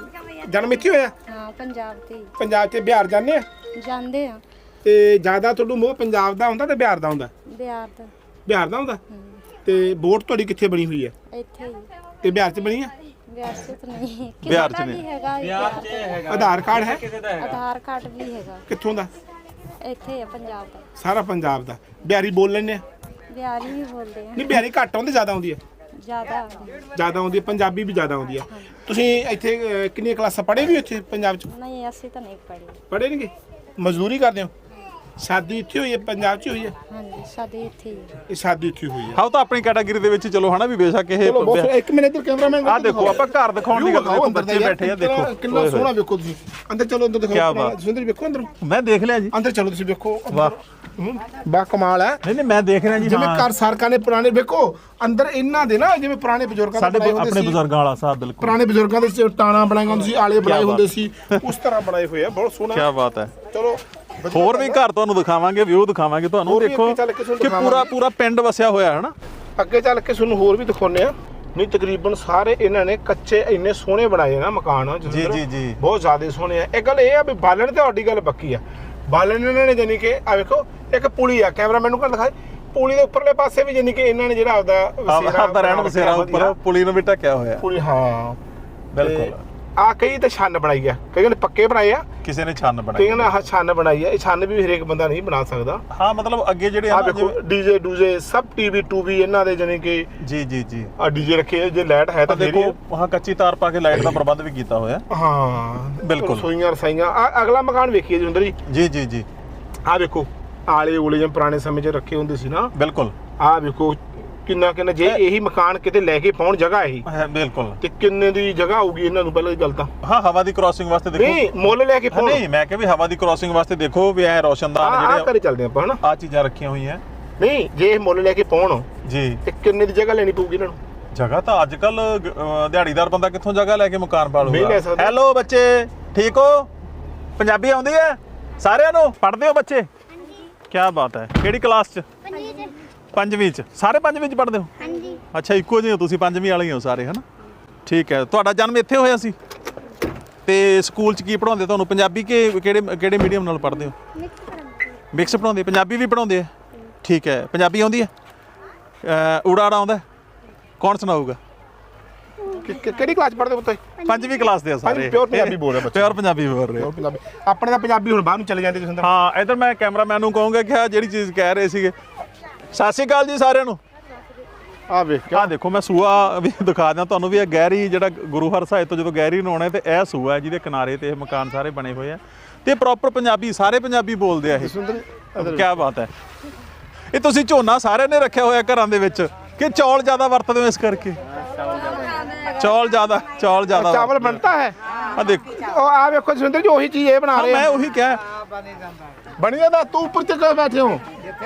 Speaker 1: ਜਨਮ ਇੱਥੇ ਹੋਇਆ?
Speaker 3: हाँ पंजाब से
Speaker 1: ਪੰਜਾਬ ਤੇ ਬਿਹਾਰ ਜਾਂਦੇ ਆ?
Speaker 3: जानते हैं
Speaker 1: ਤੇ ਜ਼ਿਆਦਾ ਤੁਹਾਨੂੰ ਮੋਹ ਪੰਜਾਬ ਦਾ ਹੁੰਦਾ ਤੇ ਬਿਹਾਰ ਦਾ ਹੁੰਦਾ?
Speaker 3: बिहार तो
Speaker 1: ਬਿਹਾਰ ਦਾ ਹੁੰਦਾ। ਤੇ ਵੋਟ ਤੁਹਾਡੀ ਕਿੱਥੇ ਬਣੀ ਹੋਈ ਹੈ?
Speaker 3: इतने ही
Speaker 1: ਤੇ ਬਿਹਾਰ 'ਚ ਬਣੀ ਆ?
Speaker 3: बिहार से तो नहीं।
Speaker 2: बिहार से
Speaker 3: किसी का
Speaker 2: नहीं।
Speaker 3: भी हैगा
Speaker 4: बिहार से हैगा।
Speaker 1: ਆਧਾਰ ਕਾਰਡ ਹੈ?
Speaker 4: किसी का हैगा।
Speaker 3: आधार कार्ड भी हैगा।
Speaker 1: ਕਿੱਥੋਂ ਦਾ?
Speaker 3: इतने है पंजाब का।
Speaker 1: ਸਾਰਾ ਪੰਜਾਬ ਦਾ। ਬਿਹਾਰੀ ਬੋਲ ਲੈਂਦੇ ਆ?
Speaker 3: बिहारी भी बोलते हैं
Speaker 1: ਨਹੀਂ ਬਿਹਾਰੀ ਘੱਟ ਆਉਂਦੀ, ਜ਼ਿਆਦਾ ਆਉਂਦੀ ਹੈ?
Speaker 3: ज्यादा।
Speaker 1: ਜ਼ਿਆਦਾ ਆਉਂਦੀ ਹੈ, ਪੰਜਾਬੀ ਵੀ ਜ਼ਿਆਦਾ ਆਉਂਦੀ ਹੈ। ਤੁਸੀਂ ਇੱਥੇ ਕਿੰਨੀਆਂ ਕਲਾਸਾਂ ਪੜ੍ਹੇ ਵੀ ਇੱਥੇ ਪੰਜਾਬ 'ਚ?
Speaker 3: नहीं ऐसी तो नहीं पड़ी।
Speaker 1: ਪੜ੍ਹੇ ਨਹੀਂਗੇ? ਮਜ਼ਦੂਰੀ ਕਰਦੇ ਹੋ? ਸ਼ਾਦੀ ਇੱਥੇ ਹੋਈ ਹੈ, ਪੰਜਾਬ 'ਚ ਹੋਈ ਹੈ?
Speaker 3: हाँ जी शादी थी।
Speaker 1: ਇਹ ਸ਼ਾਦੀ ਇੱਥੇ ਹੋਈ ਹੈ।
Speaker 2: ਹਾਂ, ਤਾਂ ਆਪਣੀ ਕੈਟਾਗਰੀ ਦੇ ਵਿੱਚ ਚਲੋ ਹਨਾ, ਵੀ ਬੇਸ਼ੱਕ ਇਹ
Speaker 1: ਚਲੋ ਬਹੁਤ ਇੱਕ ਮਿੰਟ ਇੱਧਰ ਕੈਮਰਾਮੈਨ
Speaker 2: ਆ ਦੇਖੋ, ਆਪਾਂ ਘਰ ਦਿਖਾਉਣ ਦੀ ਗੱਲ ਦੇਖੋ, ਬੱਚੇ ਬੈਠੇ ਆ ਦੇਖੋ
Speaker 1: ਕਿੰਨਾ ਸੋਹਣਾ ਵੇਖੋ ਤੁਸੀਂ। ਅੰਦਰ ਚਲੋ, ਅੰਦਰ ਦਿਖਾਓ। ਸੁੰਦਰ ਵੇਖੋ ਅੰਦਰ।
Speaker 2: ਮੈਂ ਦੇਖ ਲਿਆ ਜੀ।
Speaker 1: ਅੰਦਰ ਚਲੋ ਤੁਸੀਂ ਵੇਖੋ।
Speaker 2: ਵਾਹ
Speaker 1: ਬਾ ਕਮਾਲ ਹੈ।
Speaker 2: ਨਹੀਂ ਮੈਂ ਦੇਖ ਰਿਹਾ ਜੀ।
Speaker 1: ਜਿਵੇਂ ਘਰ ਸਰਕਾਰ ਨੇ ਪੁਰਾਣੇ ਵੇਖੋ ਅੰਦਰ ਇਹਨਾਂ ਦੇ ਨਾ, ਜਿਵੇਂ ਪੁਰਾਣੇ ਬਜ਼ੁਰਗਾਂ ਦੇ
Speaker 2: ਸਾਡੇ
Speaker 1: ਬਣਾਏ ਹੁੰਦੇ
Speaker 2: ਆਪਣੇ
Speaker 1: ਸੀ।
Speaker 2: ਬਜ਼ੁਰਗਾਂ ਵਾਲਾ ਸਾਹਿਬ ਬਿਲਕੁਲ
Speaker 1: ਪੁਰਾਣੇ ਬਜ਼ੁਰਗਾਂ ਦੇ ਟਾਣਾ ਬਣਾਏ ਹੁੰਦੇ ਸੀ, ਆਲੇ ਬਣਾਏ ਹੁੰਦੇ ਸੀ, ਉਸ ਤਰ੍ਹਾਂ ਬਣਾਏ ਹੋਏ ਆ। ਬਹੁਤ ਸੋਹਣਾ।
Speaker 2: ਕੀ ਬਾਤ ਹੈ।
Speaker 1: ਚਲੋ
Speaker 2: ਹੋਰ ਵੀ ਘਰ ਤੁਹਾਨੂੰ ਦਿਖਾਵਾਂਗੇ, ਵਿਊ ਦਿਖਾਵਾਂਗੇ ਤੁਹਾਨੂੰ।
Speaker 1: ਹੋਰ ਵੀ
Speaker 2: ਦੇਖੋ
Speaker 1: ਅੱਗੇ ਚੱਲ ਕੇ ਤੁਹਾਨੂੰ
Speaker 2: ਕਿ ਪੂਰਾ ਪਿੰਡ ਵਸਿਆ ਹੋਇਆ ਹੈ ਨਾ।
Speaker 1: ਅੱਗੇ ਚੱਲ ਕੇ ਤੁਹਾਨੂੰ ਹੋਰ ਵੀ ਦਿਖਾਉਂਦੇ ਆ। ਨਹੀਂ ਤਕਰੀਬਨ ਸਾਰੇ ਇਹਨਾਂ ਨੇ ਕੱਚੇ ਇੰਨੇ ਸੋਹਣੇ ਬਣਾਏ ਨਾ ਮਕਾਨ।
Speaker 2: ਜੀ
Speaker 1: ਬਹੁਤ ਜ਼ਿਆਦਾ ਸੋਹਣੇ ਆ। ਇਹ ਗੱਲ ਇਹ ਆ ਵੀ ਬਾਲਣ ਤੇ ਤੁਹਾਡੀ ਗੱਲ ਪੱਕੀ ਆ। ਬਾਲਣ ਇਹਨਾਂ ਨੇ ਜਾਨੀ ਕਿ ਆ ਵੇਖੋ ਇੱਕ ਪੁਲੀ ਆ, ਕੈਮਰਾਮੈਨ ਨੂੰ ਕਰ ਦਿਖਾਏ। ਪੁਲੀ ਦੇ ਉੱਪਰਲੇ ਪਾਸੇ ਵੀ ਜਾਨੀ ਕਿ ਇਹਨਾਂ ਨੇ ਜਿਹੜਾ
Speaker 2: ਆਪਦਾ ਰਹਿਣ ਬਸੇਰਾ ਉੱਪਰ ਪੁਲੀ ਨੂੰ ਵੀ ਢੱਕਿਆ ਹੋਇਆ।
Speaker 1: ਪੁਲੀ, ਹਾਂ
Speaker 2: ਬਿਲਕੁਲ।
Speaker 1: ਆ ਕਈ ਤਾਂ ਛੰਨ ਬਣਾਈ ਆ, ਕਈਆਂ ਨੇ ਪੱਕੇ ਬਣਾਏ ਆ,
Speaker 2: ਕਿਸੇ ਨੇ ਛੰਨ ਬਣਾਈ,
Speaker 1: ਕਈਆਂ ਨੇ ਆਹ ਛੰਨ ਬਣਾਈ ਆ। ਇਹ ਛੰਨ ਵੀ ਹਰੇਕ ਬੰਦਾ ਨਹੀਂ ਬਣਾ ਸਕਦਾ।
Speaker 2: ਹਾਂ ਮਤਲਬ ਅੱਗੇ ਜਿਹੜੇ
Speaker 1: ਆ ਵੇਖੋ ਡੀਜੇ ਡੂਜੇ ਸਭ ਟੀਵੀ ਟੂਵੀ ਇਹਨਾਂ ਦੇ ਜਾਨੀ ਕਿ
Speaker 2: ਜੀ
Speaker 1: ਆ ਡੀਜੇ ਰੱਖੇ। ਜੇ ਲਾਈਟ ਹੈ ਤਾਂ
Speaker 2: ਦੇਖੋ ਹਾਂ, ਕੱਚੀ ਤਾਰ ਪਾ ਕੇ ਲਾਈਟ ਦਾ ਪ੍ਰਬੰਧ ਵੀ ਕੀਤਾ ਹੋਇਆ।
Speaker 1: ਹਾਂ
Speaker 2: ਬਿਲਕੁਲ।
Speaker 1: ਰਸੋਈਆਂ ਰਸਾਈਆਂ। ਆ ਅਗਲਾ ਮਕਾਨ ਵੇਖੀਏ ਜੁੰਦਰ
Speaker 2: ਜੀ।
Speaker 1: ਆ ਵੇਖੋ ਆਲੇ ਓਲੇ ਜਿਵੇਂ ਪੁਰਾਣੇ ਸਮੇਂ 'ਚ ਰੱਖੇ ਹੁੰਦੇ ਸੀ ਨਾ।
Speaker 2: ਬਿਲਕੁਲ।
Speaker 1: ਆ ਵੇਖੋ ਕਿੰਨਾ ਜੇ ਇਹੀ ਮਕਾਨ ਕਿਤੇ ਲੈ ਕੇ ਪਾਉਣ ਜਗ੍ਹਾ ਇਹੀ
Speaker 2: ਬਿਲਕੁਲ,
Speaker 1: ਤੇ ਕਿੰਨੇ ਦੀ ਜਗ੍ਹਾ ਹੋਊਗੀ ਇਹਨਾਂ ਨੂੰ? ਪਹਿਲਾਂ ਦੀ ਗੱਲ ਤਾਂ
Speaker 2: ਹਾਂ, ਹਵਾ ਦੀ ਕ੍ਰਾਸਿੰਗ ਵਾਸਤੇ ਦੇਖੋ।
Speaker 1: ਨਹੀਂ ਮੁੱਲ ਲੈ ਕੇ ਪਾਉਣ।
Speaker 2: ਨਹੀਂ ਮੈਂ ਕਿਹਾ ਵੀ ਹਵਾ ਦੀ ਕ੍ਰਾਸਿੰਗ ਵਾਸਤੇ ਦੇਖੋ ਵੀ ਐ ਰੋਸ਼ਨਦਾਨ
Speaker 1: ਜਿਹੜੇ ਘਰੇ ਚੱਲਦੇ ਆਪਾਂ ਹਨਾ,
Speaker 2: ਆ ਚੀਜ਼ਾਂ ਰੱਖੀਆਂ ਹੋਈਆਂ।
Speaker 1: ਨਹੀਂ ਜੇ ਇਹ ਮੁੱਲ ਲੈ ਕੇ ਪਾਉਣ
Speaker 2: ਜੀ
Speaker 1: ਤੇ ਕਿੰਨੇ ਦੀ ਜਗ੍ਹਾ ਲੈਣੀ ਪਊਗੀ ਇਹਨਾਂ ਨੂੰ?
Speaker 2: ਜਗ੍ਹਾ ਤਾਂ ਅੱਜ ਕੱਲ ਦਿਹਾੜੀਦਾਰ ਬੰਦਾ ਕਿੱਥੋਂ ਜਗ੍ਹਾ ਲੈ ਕੇ ਮਕਾਨ ਪਾਲੂਗਾ।
Speaker 1: ਸਕਦਾ।
Speaker 2: ਹੈਲੋ ਬੱਚੇ, ਠੀਕ ਹੋ? ਪੰਜਾਬੀ ਆਉਂਦੀ ਹੈ ਸਾਰਿਆਂ ਨੂੰ? ਪੜ੍ਹਦੇ ਹੋ ਬੱਚੇ? ਕੀ ਬਾਤ ਹੈ। ਕਿਹੜੀ ਕਲਾਸ 'ਚ? ਪੰਜਵੀਂ 'ਚ। ਸਾਰੇ ਪੰਜਵੀਂ 'ਚ ਪੜ੍ਹਦੇ ਹੋ?
Speaker 3: ਹਾਂਜੀ।
Speaker 2: ਅੱਛਾ, ਇੱਕੋ ਜਿਹੇ ਹੋ ਤੁਸੀਂ, ਪੰਜਵੀਂ ਵਾਲੇ ਹੀ ਹੋ ਸਾਰੇ, ਹਨਾ? ਠੀਕ ਹੈ। ਤੁਹਾਡਾ ਜਨਮ ਇੱਥੇ ਹੋਇਆ ਸੀ? ਤੇ ਸਕੂਲ 'ਚ ਕੀ ਪੜ੍ਹਾਉਂਦੇ ਤੁਹਾਨੂੰ? ਪੰਜਾਬੀ ਕਿਹੜੇ ਮੀਡੀਅਮ ਨਾਲ ਪੜ੍ਹਦੇ ਹੋ? ਮਿਕਸ ਪੜ੍ਹਾਉਂਦੇ? ਪੰਜਾਬੀ ਵੀ ਪੜ੍ਹਾਉਂਦੇ ਆ? ਠੀਕ ਹੈ। ਪੰਜਾਬੀ ਆਉਂਦੀ ਹੈ? ਊੜਾ ਆੜਾ ਆਉਂਦਾ? ਕੌਣ ਸੁਣਾਊਗਾ?
Speaker 1: ਕਿਹੜੀ ਕਲਾਸ ਪੜ੍ਹਦੇ ਹੋ ਤੁਸੀਂ?
Speaker 2: ਪੰਜਵੀਂ ਕਲਾਸ ਦੇ ਆ ਸਾਰੇ।
Speaker 1: ਪਿਓਰ ਪੰਜਾਬੀ ਬੋਲ ਰਹੇ ਬੱਚੇ।
Speaker 2: ਪਿਓਰ ਪੰਜਾਬੀ ਬੋਲ ਰਹੇ ਹੋ।
Speaker 1: ਆਪਣੇ ਤਾਂ ਪੰਜਾਬੀ ਹੁਣ ਬਾਹਰ ਨੂੰ ਚਲੇ ਜਾਂਦੇ ਤੁਸੀਂ।
Speaker 2: ਹਾਂ, ਇਧਰ ਮੈਂ ਕੈਮਰਾਮੈਨ ਨੂੰ ਕਹੂੰਗਾ ਕਿ ਆ ਜਿਹੜੀ ਚੀਜ਼ ਕਹਿ ਰਹੇ ਸੀਗੇ। ਸਤਿ ਸ਼੍ਰੀ ਅਕਾਲ ਜੀ ਸਾਰਿਆਂ ਨੂੰ।
Speaker 1: ਆ ਵੇਖ
Speaker 2: ਆ ਦੇਖੋ, ਮੈਂ ਸੂਆ ਵੀ ਦਿਖਾ ਦਿਆਂ ਤੁਹਾਨੂੰ ਵੀ। ਇਹ ਗਹਿਰੀ ਜਿਹੜਾ ਗੁਰੂ ਹਰਸਾਏ ਤੋਂ ਜਦੋਂ ਗਹਿਰੀ ਨੂੰ ਆਉਣਾ ਤੇ ਇਹ ਸੂਆ ਹੈ ਜਿਹਦੇ ਕਿਨਾਰੇ ਤੇ ਇਹ ਮਕਾਨ ਸਾਰੇ ਬਣੇ ਹੋਏ ਆ ਤੇ ਪ੍ਰੋਪਰ ਪੰਜਾਬੀ, ਸਾਰੇ ਪੰਜਾਬੀ ਬੋਲਦੇ ਆ ਇਹ। ਕੀ ਬਾਤ ਹੈ। ਇਹ ਤੁਸੀਂ ਝੋਨਾ ਸਾਰਿਆਂ ਨੇ ਰੱਖਿਆ ਹੋਇਆ ਘਰਾਂ ਦੇ ਵਿੱਚ ਕਿ ਚੌਲ ਜ਼ਿਆਦਾ ਵਰਤਦੇ ਹੋ ਇਸ ਕਰਕੇ? ਚੌਲ ਜ਼ਿਆਦਾ
Speaker 1: ਚਾਵਲ ਬਣਤਾ ਹੈ।
Speaker 2: ਆ ਦੇਖੋ,
Speaker 1: ਉਹ ਆ ਵੇਖੋ ਸੁੰਦਰ ਜੀ, ਉਹੀ ਚੀਜ਼ ਇਹ ਬਣਾ ਰਹੇ
Speaker 2: ਮੈਂ ਉਹੀ ਕਿਹਾ
Speaker 1: ਬਣੀ ਜਾਂਦਾ। ਤੂੰ ਉੱਪਰ ਤੇ ਕਿਉਂ ਬੈਠੇ ਹੋ?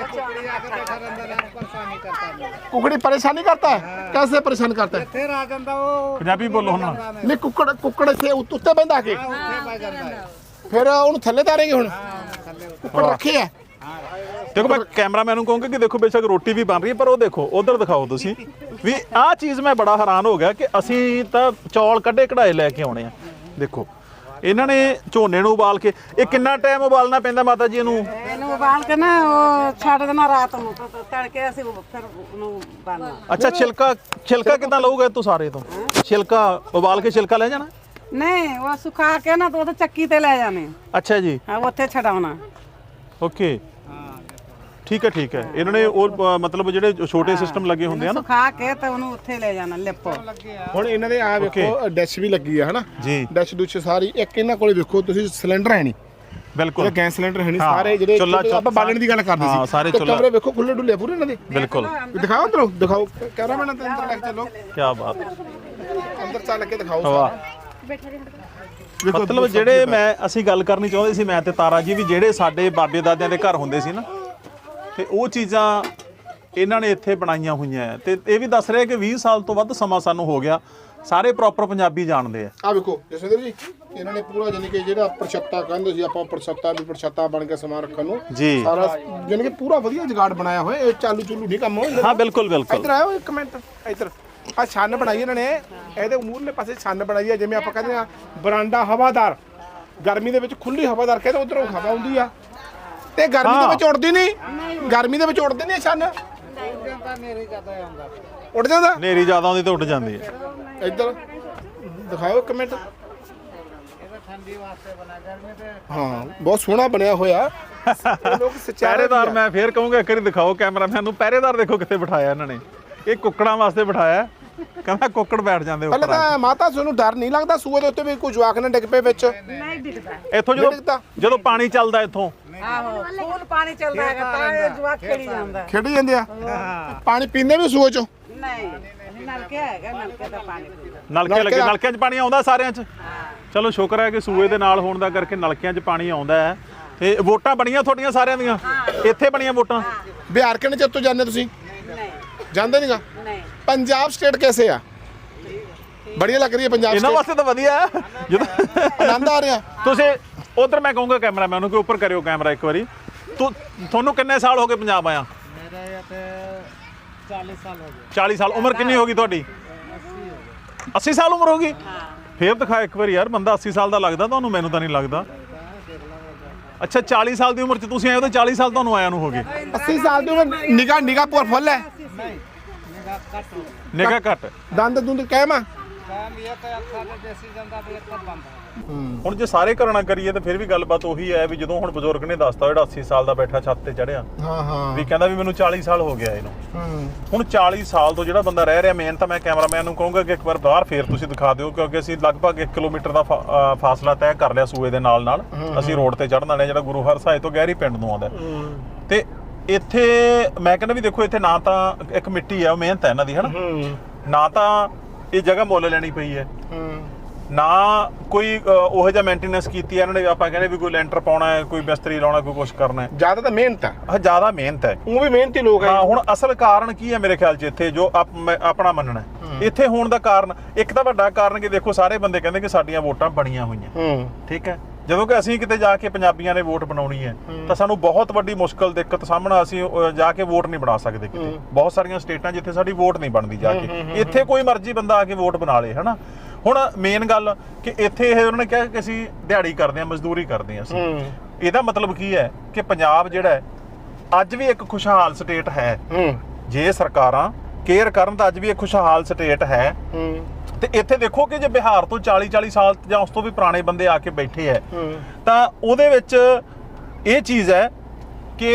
Speaker 1: ਕੁਕੜੀ ਪਰੇਸ਼ਾਨੀ ਕਰता है? कैसे परेशान करता है?
Speaker 2: ਪੰਜਾਬੀ ਬੋਲੋ ਹੁਣ।
Speaker 1: ਨਹੀਂ ਕੁੱਕੜ ਇੱਥੇ ਉੱਤੇ ਬੈਂਦਾ ਕੇ ਫਿਰ ਉਹਨੂੰ ਥੱਲੇ ਤਾਰੇਗੇ ਹੁਣ? ਕੁੱਕੜ ਰੱਖੇ ਆ
Speaker 2: ਦੇਖੋ ਮੈਂ ਕੈਮਰਾਮੈਨ ਨੂੰ ਕਹੂੰਗਾ ਕਿ ਦੇਖੋ ਬੇਸ਼ੱਕ ਰੋਟੀ ਵੀ ਬਣ ਰਹੀ ਹੈ ਪਰ ਉਹ ਦੇਖੋ ਉਧਰ ਦਿਖਾਓ ਤੁਸੀਂ ਵੀ ਆਹ ਚੀਜ਼ ਮੈਂ ਬੜਾ ਹੈਰਾਨ ਹੋ ਗਿਆ ਕਿ ਅਸੀਂ ਤਾਂ ਚੌਲ ਕੱਢੇ ਕਢਾਏ ਲੈ ਕੇ ਆਉਣੇ ਆ। ਦੇਖੋ ਇਹਨਾਂ ਨੇ ਝੋਨੇ ਨੂੰ ਉਬਾਲ ਕੇ, ਇਹ ਕਿੰਨਾ ਟਾਈਮ ਉਬਾਲਣਾ ਪੈਂਦਾ ਮਾਤਾ ਜੀ ਇਹਨੂੰ
Speaker 5: ਉਬਾਲ ਕੇ ਨਾ ਉਹ ਛੱਡ ਦੇਣਾ ਰਾਤ ਨੂੰ, ਤੜਕੇ ਅਸੀਂ ਫਿਰ ਉਹਨੂੰ ਬਾਲਣਾ।
Speaker 2: ਅੱਛਾ ਛਿਲਕਾ ਕਿੱਦਾਂ ਲਊਗਾ ਤੂੰ ਸਾਰੇ ਤੋਂ? ਛਿਲਕਾ ਉਬਾਲ ਕੇ ਛਿਲਕਾ ਲੈ ਜਾਣਾ?
Speaker 5: ਨਹੀਂ ਉਹ ਸੁਕਾ ਕੇ ਨਾ ਉਹ ਚੱਕੀ ਤੇ ਲੈ ਜਾਣੇ।
Speaker 2: ਅੱਛਾ ਜੀ,
Speaker 5: ਹਾਂ ਉੱਥੇ ਛਡਾਉਣਾ।
Speaker 2: ਓਕੇ ਠੀਕ ਹੈ। ਇਹਨਾਂ ਨੇ ਉਹ ਮਤਲਬ ਜਿਹੜੇ ਛੋਟੇ ਸਿਸਟਮ ਲੱਗੇ ਹੁੰਦੇ ਆ ਨਾ,
Speaker 5: ਸੁਕਾ ਕੇ ਤੇ ਉਹਨੂੰ ਉੱਥੇ ਲੈ ਜਾਣਾ ਲਿਪੋ।
Speaker 1: ਹੁਣ ਇਹਨਾਂ ਦੇ ਆ ਵੇਖੋ ਡੈਸ਼ ਵੀ ਲੱਗੀ ਆ ਹਨਾ
Speaker 2: ਜੀ,
Speaker 1: ਡੈਸ਼ ਦੁੱਚ ਸਾਰੀ। ਇੱਕ ਇਹਨਾਂ ਕੋਲੇ ਵੇਖੋ ਤੁਸੀਂ ਸਿਲੰਡਰ ਹੈ ਨਹੀਂ,
Speaker 2: ਬਿਲਕੁਲ
Speaker 1: ਗੈਸ ਸਿਲੰਡਰ ਹੈ ਨਹੀਂ। ਸਾਰੇ ਜਿਹੜੇ ਆਪਾਂ ਬਾਲਣ ਦੀ ਗੱਲ ਕਰਦੇ ਸੀ
Speaker 2: ਸਾਰੇ
Speaker 1: ਕਮਰੇ ਵੇਖੋ ਖੁੱਲੇ ਡੁੱਲੇ ਪੂਰੇ ਇਹਨਾਂ ਦੇ।
Speaker 2: ਬਿਲਕੁਲ
Speaker 1: ਦਿਖਾਓ ਅੰਦਰੋਂ, ਦਿਖਾਓ ਕੈਮਰਾਮੈਨ ਅੰਦਰ ਲੈ ਕੇ ਚੱਲੋ,
Speaker 2: ਕੀ ਬਾਤ ਹੈ,
Speaker 1: ਅੰਦਰ ਚੱਲ ਕੇ ਦਿਖਾਓ
Speaker 2: ਵਾਹ। ਮਤਲਬ ਜਿਹੜੇ ਅਸੀਂ ਗੱਲ ਕਰਨੀ ਚਾਹੁੰਦੇ ਸੀ ਮੈਂ ਤੇ ਤਾਰਾ ਜੀ, ਵੀ ਜਿਹੜੇ ਸਾਡੇ ਬਾਬੇ ਦਾਦਿਆਂ ਦੇ ਘਰ ਹੁੰਦੇ ਸੀ ਨਾ, ਤੇ ਉਹ ਚੀਜ਼ਾਂ ਇਹਨਾਂ ਨੇ ਇੱਥੇ ਬਣਾਈਆਂ ਹੋਈਆਂ ਹੈ। ਤੇ ਇਹ ਵੀ ਦੱਸ ਰਿਹਾ ਕਿ 20 ਸਾਲ ਤੋਂ ਵੱਧ ਸਮਾਂ ਸਾਨੂੰ ਹੋ ਗਿਆ, ਸਾਰੇ ਪ੍ਰੋਪਰ ਪੰਜਾਬੀ ਜਾਣਦੇ ਆ।
Speaker 1: ਆ ਵੇਖੋ ਜਸਵਿੰਦਰ ਜੀ, ਇਹਨਾਂ ਨੇ ਪੂਰਾ ਜਾਨੀ ਕਿ ਜਿਹੜਾ ਪ੍ਰਛੱਤਾ ਕਹਿੰਦੇ ਸੀ ਆਪਾਂ, ਪ੍ਰਛੱਤਾ ਬਣ ਕੇ ਸਮਾਨ ਰੱਖਣ ਨੂੰ
Speaker 2: ਜੀ,
Speaker 1: ਸਾਰਾ ਜਾਨੀ ਕਿ ਪੂਰਾ ਵਧੀਆ ਜੁਗਾੜ ਬਣਾਇਆ ਹੋਇਆ। ਇਹ ਚਾਲੂ ਨਹੀਂ ਕੰਮ ਹੋਇਆ।
Speaker 2: ਹਾਂ ਬਿਲਕੁਲ
Speaker 1: ਇੱਧਰ ਆਓ ਇੱਕ ਮਿੰਟ, ਇੱਧਰ ਆ ਛੰਨ ਬਣਾਈ ਇਹਨਾਂ ਨੇ, ਇਹਦੇ ਮੂਹਰਲੇ ਪਾਸੇ ਛੰਨ ਬਣਾਈ ਆ, ਜਿਵੇਂ ਆਪਾਂ ਕਹਿੰਦੇ ਆ ਬਰਾਂਡਾ ਹਵਾਦਾਰ, ਗਰਮੀ ਦੇ ਵਿੱਚ ਖੁੱਲੀ ਹਵਾਦਾਰ ਕਹਿੰਦੇ, ਉਧਰੋਂ ਹਵਾ ਆਉਂਦੀ ਆ ਤੇ ਗਰਮੀ ਦੇ ਵਿੱਚ ਉੱਡਦੀ ਨਹੀਂ, ਗਰਮੀ ਦੇ ਵਿੱਚ ਉੱਡਦੇ ਨਹੀਂ ਛੰਨ, ਉੱਡ ਜਾਂਦਾ,
Speaker 2: ਨੇਰੀ ਜ਼ਿਆਦਾ ਆਉਂਦੀ ਤਾਂ ਉੱਡ ਜਾਂਦੀ ਹੈ।
Speaker 1: ਇੱਧਰ ਦਿਖਾਓ ਇੱਕ ਮਿੰਟ। ਹਾਂ ਬਹੁਤ ਸੋਹਣਾ ਬਣਿਆ ਹੋਇਆ। ਲੋਕ
Speaker 2: ਪਹਿਰੇਦਾਰ ਮੈਂ ਫੇਰ ਕਹੂੰਗਾ ਇੱਕ ਵਾਰੀ ਦਿਖਾਓ ਕੈਮਰਾਮੈਨ ਨੂੰ, ਪਹਿਰੇਦਾਰ ਦੇਖੋ ਕਿੱਥੇ ਬਿਠਾਇਆ ਇਹਨਾਂ ਨੇ। ਇਹ ਕੁੱਕੜਾਂ ਵਾਸਤੇ ਬਿਠਾਇਆ, ਕਹਿੰਦਾ ਕੁੱਕੜ ਬੈਠ ਜਾਂਦੇ
Speaker 1: ਪਹਿਲਾਂ
Speaker 2: ਉੱਪਰ।
Speaker 1: ਤਾਂ ਮਾਤਾ ਤੁਹਾਨੂੰ ਡਰ ਨਹੀਂ ਲੱਗਦਾ ਸੂਏ ਦੇ ਉੱਤੇ ਵੀ ਕੋਈ ਜਵਾਕ ਨਾ ਡਿੱਗ ਪਏ ਵਿੱਚ?
Speaker 5: ਨਹੀਂ ਦਿਖਦਾ
Speaker 2: ਇੱਥੋਂ ਜਦੋਂ ਪਾਣੀ ਚੱਲਦਾ ਇੱਥੋਂ,
Speaker 5: ਆਹੋ ਫੁੱਲ ਪਾਣੀ ਚੱਲਦਾ ਹੈਗਾ ਤਾਂ ਇਹ ਜਵਾਕ ਖੇਡੀ ਜਾਂਦਾ।
Speaker 1: ਖੇਡੀ ਜਾਂਦੇ ਆ? ਪਾਣੀ ਪੀਂਦੇ ਵੀ ਸੂਏ ਚੋਂ?
Speaker 5: ਨਹੀਂ ਨਲਕੇ ਹੈਗਾ, ਨਲਕੇ ਦਾ ਪਾਣੀ ਪੀਂਦਾ।
Speaker 2: ਨਲਕੇ ਲੱਗੇ, ਨਲਕਿਆਂ 'ਚ ਪਾਣੀ ਆਉਂਦਾ ਸਾਰਿਆਂ 'ਚ। ਚਲੋ ਸ਼ੁਕਰ ਹੈ ਕਿ ਸੂਏ ਦੇ ਨਾਲ ਹੋਣ ਦਾ ਕਰਕੇ ਨਲਕਿਆਂ 'ਚ ਪਾਣੀ ਆਉਂਦਾ ਹੈ। ਤੇ ਵੋਟਾਂ ਬਣੀਆਂ ਤੁਹਾਡੀਆਂ ਸਾਰਿਆਂ ਦੀਆਂ? ਇੱਥੇ ਬਣੀਆਂ ਵੋਟਾਂ?
Speaker 1: ਬਿਹਾਰ ਕਿੰਨੇ ਚਿਰ ਤੋਂ ਜਾਂਦੇ ਤੁਸੀਂ?
Speaker 5: ਨਹੀਂ
Speaker 1: ਜਾਂਦੇ ਨਹੀਂਗਾ?
Speaker 5: ਨਹੀਂ।
Speaker 1: ਪੰਜਾਬ ਸਟੇਟ कैसे ਆ? बढ़िया लग रही है पंजाब
Speaker 2: ਇਹਨਾਂ ਵਾਸਤੇ ਤਾਂ ਵਧੀਆ ਹੈ। ਜਦੋਂ
Speaker 1: आनंद आ रहा।
Speaker 2: ਤੁਸੀਂ ਉਧਰ, ਮੈਂ ਕਹੂੰਗਾ ਕੈਮਰਾਮੈਨ ਨੂੰ ਕਿ ਉੱਪਰ ਕਰਿਓ ਕੈਮਰਾ ਇੱਕ ਵਾਰੀ। ਤੁਹਾਨੂੰ ਕਿੰਨੇ ਸਾਲ ਹੋ ਗਏ ਪੰਜਾਬ ਆਇਆ?
Speaker 4: मेरा 40 साल हो गए।
Speaker 2: 40 ਸਾਲ। ਉਮਰ ਕਿੰਨੀ ਹੋ ਗਈ ਤੁਹਾਡੀ? 80 ਸਾਲ ਉਮਰ ਹੋ ਗਈ? ਫੇਰ ਦਿਖਾ ਇੱਕ ਵਾਰੀ ਯਾਰ, ਬੰਦਾ 80 ਸਾਲ ਦਾ ਲੱਗਦਾ ਤੁਹਾਨੂੰ, ਮੈਨੂੰ ਤਾਂ ਨਹੀਂ ਲੱਗਦਾ। ਅੱਛਾ 40 ਸਾਲ ਦੀ ਉਮਰ 'ਚ ਤੁਸੀਂ ਆਏ ਹੋ, ਤਾਂ 40 ਸਾਲ ਤੁਹਾਨੂੰ ਆਇਆ ਨੂੰ ਹੋ ਗਏ।
Speaker 1: 80 साल ਦੀ ਉਮਰ। ਨਿਗਾਹ ਪੂਰ ਫੁੱਲ ਹੈ?
Speaker 2: ਨਿਗਾਹ ਘੱਟ।
Speaker 1: ਦੰਦ ਦੁੰਦ ਕਹਿਮਾ?
Speaker 2: ਹੁਣ ਜੇ ਸਾਰੇ ਕਰਨਾ ਕਰੀਏ ਤਾਂ ਫਿਰ ਵੀ ਗੱਲਬਾਤ ਉਹੀ ਹੈ ਵੀ ਜਦੋਂ ਹੁਣ ਬਜ਼ੁਰਗ ਨੇ ਦੱਸਤਾ ਜਿਹੜਾ 80 ਸਾਲ ਦਾ ਬੈਠਾ ਛੱਤ ਤੇ ਚੜਿਆ,
Speaker 1: ਹਾਂ
Speaker 2: ਵੀ ਕਹਿੰਦਾ ਵੀ ਮੈਨੂੰ 40 ਸਾਲ ਹੋ ਗਿਆ ਇਹਨੂੰ। ਹੁਣ 40 ਸਾਲ ਤੋਂ ਜਿਹੜਾ ਬੰਦਾ ਰਹਿ ਰਿਹਾ, ਮੇਨ ਤਾਂ ਮੈਂ ਕੈਮਰਾਮੈਨ ਨੂੰ ਕਹੂੰਗਾ ਕਿ ਇੱਕ ਵਾਰ ਬਾਹਰ ਫੇਰ ਤੁਸੀਂ ਦਿਖਾ ਦਿਓ, ਕਿਉਂਕਿ ਅਸੀਂ ਲਗਭਗ 1 ਕਿਲੋਮੀਟਰ ਦਾ ਫਾਸਲਾ ਤੈਅ ਕਰ ਲਿਆ ਸੂਏ ਦੇ ਨਾਲ। ਅਸੀਂ ਰੋਡ ਤੇ ਚੜ੍ਹਨ ਵਾਲੇ, ਜਿਹੜਾ ਗੁਰੂ ਹਰਸਾਏ ਤੋਂ ਗਹਿਰੀ ਪਿੰਡ ਨੂੰ ਆਉਂਦਾ। ਤੇ ਇੱਥੇ ਮੈਂ ਕਹਿੰਦਾ ਵੀ ਦੇਖੋ, ਇੱਥੇ ਨਾ ਤਾਂ ਇੱਕ ਮਿੱਟੀ ਹੈ, ਉਹ ਮਿਹਨਤ ਹੈ ਇਹਨਾਂ ਦੀ, ਹਨਾ, ਨਾ ਤਾਂ ਇਹ ਜਗ੍ਹਾ ਮੁੱਲ ਲੈਣੀ ਪਈ ਹੈ, ਨਾ ਕੋਈ ਉਹੋ ਜਿਹਾ ਮੇਨਟੇਨੈਂਸ ਕੀਤੀ ਹੈ ਇਹਨਾਂ ਨੇ। ਆਪਾਂ ਕਹਿੰਦੇ ਵੀ ਕੋਈ ਲੈਂਟਰ ਪਾਉਣਾ ਹੈ, ਕੋਈ ਮਿਸਤਰੀ ਲਾਉਣਾ, ਕੋਈ ਕੁਛ ਕਰਨਾ ਹੈ।
Speaker 1: ਜ਼ਿਆਦਾ ਤਾਂ ਮਿਹਨਤ ਹੈ।
Speaker 2: ਹਾਂ ਜ਼ਿਆਦਾ ਮਿਹਨਤ ਹੈ,
Speaker 1: ਉਹ ਵੀ ਮਿਹਨਤੀ ਲੋਕ ਹੈ।
Speaker 2: ਹਾਂ ਹੁਣ ਅਸਲ ਕਾਰਨ ਕੀ ਹੈ ਮੇਰੇ ਖਿਆਲ 'ਚ ਇੱਥੇ, ਜੋ ਆਪਣਾ ਮੰਨਣਾ ਇੱਥੇ ਹੋਣ ਦਾ ਕਾਰਨ, ਇੱਕ ਤਾਂ ਵੱਡਾ ਕਾਰਨ ਕਿ ਦੇਖੋ ਸਾਰੇ ਬੰਦੇ ਕਹਿੰਦੇ ਕਿ ਸਾਡੀਆਂ ਵੋਟਾਂ ਬਣੀਆਂ ਹੋਈਆਂ, ਠੀਕ ਹੈ। ਜਦੋਂ ਕਿ ਅਸੀਂ ਕਿਤੇ ਜਾ ਕੇ ਪੰਜਾਬੀਆਂ ਨੇ ਵੋਟ ਬਣਾਉਣੀ ਹੈ ਤਾਂ ਸਾਨੂੰ ਬਹੁਤ ਵੱਡੀ ਮੁਸ਼ਕਲ, ਦਿੱਕਤ ਸਾਹਮਣਾ, ਅਸੀਂ ਜਾ ਕੇ ਵੋਟ ਨਹੀਂ ਬਣਾ ਸਕਦੇ ਕਿਤੇ। ਬਹੁਤ ਸਾਰੀਆਂ ਸਟੇਟਾਂ ਜਿੱਥੇ ਸਾਡੀ ਵੋਟ ਨਹੀਂ ਬਣਦੀ ਜਾ ਕੇ, ਇੱਥੇ ਕੋਈ ਮਰਜ਼ੀ ਬੰਦਾ ਆ ਕੇ ਵੋਟ ਬਣਾ ਲੇ, ਹਨਾ। ਹੁਣ ਮੇਨ ਗੱਲ ਕਿ ਇੱਥੇ ਇਹ ਉਹਨਾਂ ਨੇ ਕਿਹਾ ਕਿ ਅਸੀਂ ਦਿਹਾੜੀ ਕਰਦੇ ਹਾਂ, ਮਜ਼ਦੂਰੀ ਕਰਦੇ ਹਾਂ ਅਸੀਂ। ਇਹਦਾ ਮਤਲਬ ਕੀ ਹੈ ਕਿ ਪੰਜਾਬ ਜਿਹੜਾ ਹੈ ਅੱਜ ਵੀ ਇੱਕ ਖੁਸ਼ਹਾਲ ਸਟੇਟ ਹੈ। ਜੇ ਸਰਕਾਰਾਂ ਕੇਅਰ ਕਰਨ ਤਾਂ ਅੱਜ ਵੀ ਇੱਕ ਖੁਸ਼ਹਾਲ ਸਟੇਟ ਹੈ। ਤੇ ਇੱਥੇ ਦੇਖੋ ਕਿ ਜੇ ਬਿਹਾਰ ਤੋਂ 40 ਸਾਲ ਜਾਂ ਉਸ ਤੋਂ ਵੀ ਪੁਰਾਣੇ ਬੰਦੇ ਆ ਕੇ ਬੈਠੇ ਹੈ, ਤਾਂ ਉਹਦੇ ਵਿੱਚ ਇਹ ਚੀਜ਼ ਹੈ ਕਿ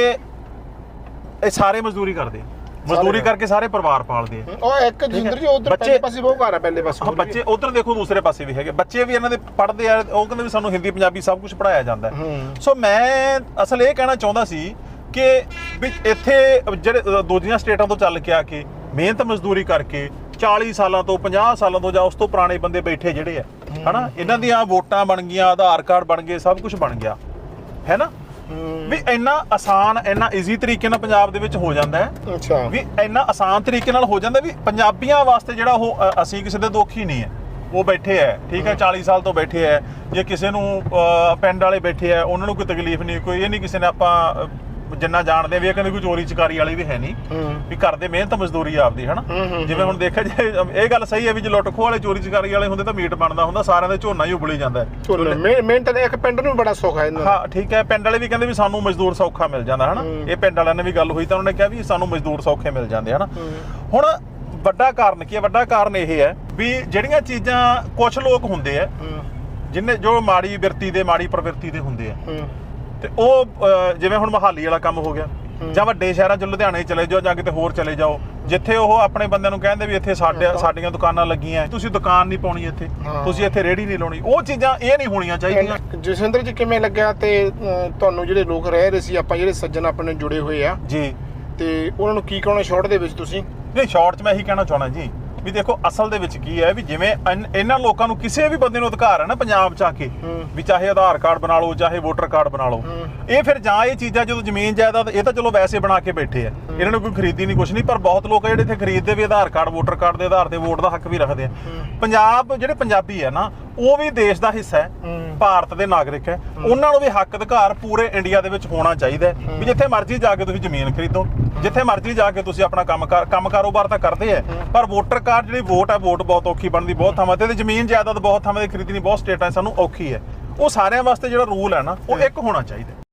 Speaker 2: ਇਹ ਸਾਰੇ ਮਜ਼ਦੂਰੀ ਕਰਦੇ, ਮਜ਼ਦੂਰੀ ਕਰਕੇ ਸਾਰੇ ਪਰਿਵਾਰ ਪਾਲਦੇ ਆ।
Speaker 1: ਉਹ ਇੱਕ ਜਿੰਦਰ ਜੀ ਉਧਰ ਪਹਿਲੇ ਪਾਸੇ ਬਹੁਤ ਘਰ ਹੈ, ਪਹਿਲੇ ਪਾਸੇ
Speaker 2: ਬੱਚੇ ਉਧਰ ਦੇਖੋ, ਦੂਸਰੇ ਪਾਸੇ ਵੀ ਹੈਗੇ ਬੱਚੇ, ਵੀ ਇਹਨਾਂ ਦੇ ਪੜ੍ਹਦੇ ਆ। ਉਹ ਕਹਿੰਦੇ ਵੀ ਸਾਨੂੰ ਹਿੰਦੀ ਪੰਜਾਬੀ ਸਭ ਕੁਝ ਪੜ੍ਹਾਇਆ ਜਾਂਦਾ। ਸੋ ਮੈਂ ਅਸਲ ਇਹ ਕਹਿਣਾ ਚਾਹੁੰਦਾ ਸੀ ਕਿ ਵੀ ਇੱਥੇ ਜਿਹੜੇ ਦੂਜੀਆਂ ਸਟੇਟਾਂ ਤੋਂ ਚੱਲ ਕੇ ਆ ਕੇ ਮਿਹਨਤ ਮਜ਼ਦੂਰੀ ਕਰਕੇ 40 ਸਾਲਾਂ ਤੋਂ 50 ਸਾਲਾਂ ਤੋਂ ਜਾਂ ਉਸ ਤੋਂ ਪੁਰਾਣੇ ਬੰਦੇ ਬੈਠੇ ਜਿਹੜੇ ਆ, ਹਨਾ, ਇਹਨਾਂ ਦੀਆਂ ਵੋਟਾਂ ਬਣ ਗਈਆਂ, ਆਧਾਰ ਕਾਰਡ ਬਣ ਗਏ, ਸਭ ਕੁਝ ਬਣ ਗਿਆ, ਹੈ ਨਾ। ਵੀ ਇੰਨਾ ਆਸਾਨ, ਇੰਨਾ ਈਜ਼ੀ ਤਰੀਕੇ ਨਾਲ ਪੰਜਾਬ ਦੇ ਵਿੱਚ ਹੋ ਜਾਂਦਾ ਹੈ।
Speaker 1: ਅੱਛਾ,
Speaker 2: ਵੀ ਇੰਨਾ ਆਸਾਨ ਤਰੀਕੇ ਨਾਲ ਹੋ ਜਾਂਦਾ ਵੀ ਪੰਜਾਬੀਆਂ ਵਾਸਤੇ ਜਿਹੜਾ ਉਹ, ਅਸੀਂ ਕਿਸੇ ਦੇ ਦੁੱਖ ਹੀ ਨਹੀਂ ਹੈ। ਉਹ ਬੈਠੇ ਹੈ, ਠੀਕ ਹੈ, 40 ਸਾਲ ਤੋਂ ਬੈਠੇ ਹੈ। ਜੇ ਕਿਸੇ ਨੂੰ ਪਿੰਡ ਵਾਲੇ ਬੈਠੇ ਹੈ, ਉਹਨਾਂ ਨੂੰ ਕੋਈ ਤਕਲੀਫ ਨਹੀਂ, ਕੋਈ ਇਹ ਨਹੀਂ ਕਿਸੇ ਨੇ ਆਪਾਂ ਜਿੰਨਾ ਜਾਣਦੇ ਵੀ ਇਹ ਕਹਿੰਦੇ ਕੋਈ ਚੋਰੀ ਚਕਾਰੀ ਵਾਲੀ ਵੀ ਹੈ ਨਹੀਂ, ਵੀ ਕਰਦੇ ਮਿਹਨਤ ਮਜ਼ਦੂਰੀ ਆਪਦੀ ਹਨਾ। ਜਿਵੇਂ ਹੁਣ ਦੇਖਿਆ ਜੇ ਇਹ ਗੱਲ ਸਹੀ ਹੈ ਵੀ ਜੇ ਲੁੱਟ ਖੋਹ ਵਾਲੇ ਚੋਰੀ ਚਕਾਰੀ ਵਾਲੇ ਹੁੰਦੇ ਤਾਂ ਮੀਟ ਬਣਦਾ ਹੁੰਦਾ, ਸਾਰਿਆਂ ਦੇ ਝੋਨਾ ਹੀ ਉਬਲੀ ਜਾਂਦਾ
Speaker 1: ਮਿਹਨਤ ਦਾ ਇੱਕ ਪਿੰਡ ਨੂੰ ਵੀ ਬੜਾ ਸੁੱਖ ਹੈ।
Speaker 2: ਹਾਂ ਠੀਕ ਹੈ, ਪਿੰਡ ਵਾਲੇ ਵੀ ਕਹਿੰਦੇ ਵੀ ਸਾਨੂੰ ਮਜ਼ਦੂਰ ਸੌਖਾ ਮਿਲ ਜਾਂਦਾ ਹਨਾ। ਇਹ ਪਿੰਡ ਵਾਲਿਆਂ ਨੇ ਵੀ ਗੱਲ ਹੋਈ ਤਾਂ ਉਹਨਾਂ ਨੇ ਕਿਹਾ ਵੀ ਸਾਨੂੰ ਮਜ਼ਦੂਰ ਸੌਖੇ ਮਿਲ ਜਾਂਦੇ ਹਨਾ। ਹੁਣ ਵੱਡਾ ਕਾਰਨ ਕੀ ਹੈ? ਵੱਡਾ ਕਾਰਨ ਇਹ ਹੈ ਵੀ ਜਿਹੜੀਆਂ ਚੀਜ਼ਾਂ ਕੁਝ ਲੋਕ ਹੁੰਦੇ ਆ ਜਿੰਨੇ ਜੋ ਮਾੜੀ ਬਿਰਤੀ ਦੇ ਮਾੜੀ ਪ੍ਰਵਿਰਤੀ ਦੇ ਹੁੰਦੇ ਆ, ਤੇ ਉਹ ਜਿਵੇਂ ਹੁਣ ਮੁਹਾਲੀ ਵਾਲਾ ਕੰਮ ਹੋ ਗਿਆ ਜਾਂ ਵੱਡੇ ਸ਼ਹਿਰਾਂ 'ਚ ਲੁਧਿਆਣੇ ਚਲੇ ਜਾਓ ਜਾਂ ਕਿਤੇ ਹੋਰ ਚਲੇ ਜਾਓ, ਜਿੱਥੇ ਉਹ ਆਪਣੇ ਬੰਦਿਆਂ ਨੂੰ ਕਹਿੰਦੇ ਵੀ ਇੱਥੇ ਸਾਡੀਆਂ ਦੁਕਾਨਾਂ ਲੱਗੀਆਂ, ਤੁਸੀਂ ਦੁਕਾਨ ਨਹੀਂ ਪਾਉਣੀ ਇੱਥੇ, ਤੁਸੀਂ ਇੱਥੇ ਰੇਹੜੀ ਨਹੀਂ ਲਾਉਣੀ। ਉਹ ਚੀਜ਼ਾਂ ਇਹ ਨਹੀਂ ਹੋਣੀਆਂ ਚਾਹੀਦੀਆਂ।
Speaker 1: ਜਸਵਿੰਦਰ ਜੀ ਕਿਵੇਂ ਲੱਗਿਆ ਤੇ ਤੁਹਾਨੂੰ ਜਿਹੜੇ ਲੋਕ ਰਹਿ ਰਹੇ ਸੀ, ਆਪਾਂ ਜਿਹੜੇ ਸੱਜਣ ਆਪਣੇ ਜੁੜੇ ਹੋਏ ਆ
Speaker 2: ਜੀ,
Speaker 1: ਤੇ ਉਹਨਾਂ ਨੂੰ ਕੀ ਕਹਣਾ ਸ਼ਾਰਟ ਦੇ ਵਿੱਚ ਤੁਸੀਂ?
Speaker 2: ਨਹੀਂ ਸ਼ਾਰਟ 'ਚ ਮੈਂ ਇਹੀ ਕਹਿਣਾ ਚਾਹੁੰਦਾ ਜੀ ਵੀ ਦੇਖੋ ਅਸਲ ਦੇ ਵਿੱਚ ਕੀ ਹੈ ਵੀ ਜਿਵੇਂ ਇਹਨਾਂ ਲੋਕਾਂ ਨੂੰ ਕਿਸੇ ਵੀ ਬੰਦੇ ਨੂੰ ਅਧਿਕਾਰ ਹੈ ਨਾ ਪੰਜਾਬ 'ਚ ਆ ਕੇ ਵੀ ਚਾਹੇ ਆਧਾਰ ਕਾਰਡ ਬਣਾ ਲਓ ਚਾਹੇ ਵੋਟਰ ਕਾਰਡ ਬਣਾ ਲਓ, ਇਹ ਫਿਰ ਜਾਂ ਇਹ ਚੀਜ਼ਾਂ ਜਦੋਂ ਜ਼ਮੀਨ ਜਾਇਦਾਦ ਇਹ ਤਾਂ ਚਲੋ ਵੈਸੇ ਬਣਾ ਕੇ ਬੈਠੇ ਆ, ਇਹਨਾਂ ਨੂੰ ਕੋਈ ਖਰੀਦੀ ਨਹੀਂ ਕੁਛ ਨਹੀਂ, ਪਰ ਬਹੁਤ ਲੋਕ ਜਿਹੜੇ ਇੱਥੇ ਖਰੀਦਦੇ ਵੀ ਆਧਾਰ ਕਾਰਡ ਵੋਟਰ ਕਾਰਡ ਦੇ ਆਧਾਰ ਤੇ ਵੋਟ ਦਾ ਹੱਕ ਵੀ ਰੱਖਦੇ ਆ। ਪੰਜਾਬ ਜਿਹੜੇ ਪੰਜਾਬੀ ਹੈ ਨਾ ਉਹ ਵੀ ਦੇਸ਼ ਦਾ ਹਿੱਸਾ ਹੈ, ਭਾਰਤ ਦੇ ਨਾਗਰਿਕ ਹੈ, ਉਹਨਾਂ ਨੂੰ ਵੀ ਹੱਕ ਅਧਿਕਾਰ ਪੂਰੇ ਇੰਡੀਆ ਦੇ ਵਿੱਚ ਹੋਣਾ ਚਾਹੀਦਾ ਵੀ ਜਿੱਥੇ ਮਰਜ਼ੀ ਜਾ ਕੇ ਤੁਸੀਂ ਜ਼ਮੀਨ ਖਰੀਦੋ, ਜਿੱਥੇ ਮਰਜ਼ੀ ਜਾ ਕੇ ਤੁਸੀਂ ਆਪਣਾ ਕੰਮ ਕਾਰੋਬਾਰ ਤਾਂ ਕਰਦੇ ਆ, ਪਰ ਵੋਟਰ ਕਾਰਡ ਜਿਹੜੀ ਵੋਟ ਹੈ ਵੋਟ ਬਹੁਤ ਔਖੀ ਬਣਦੀ ਬਹੁਤ ਥਾਵਾਂ ਤੇ ਜ਼ਮੀਨ ਜਾਇਦਾਦ ਬਹੁਤ ਥਾਵਾਂ ਤੇ ਖਰੀਦਣੀ ਬਹੁਤ ਸਟੇਟਾਂ ਸਾਨੂੰ ਔਖੀ ਹੈ। ਉਹ ਸਾਰਿਆਂ ਵਾਸਤੇ ਜਿਹੜਾ ਰੂਲ ਹੈ ਨਾ ਉਹ ਇੱਕ ਹੋਣਾ ਚਾਹੀਦਾ।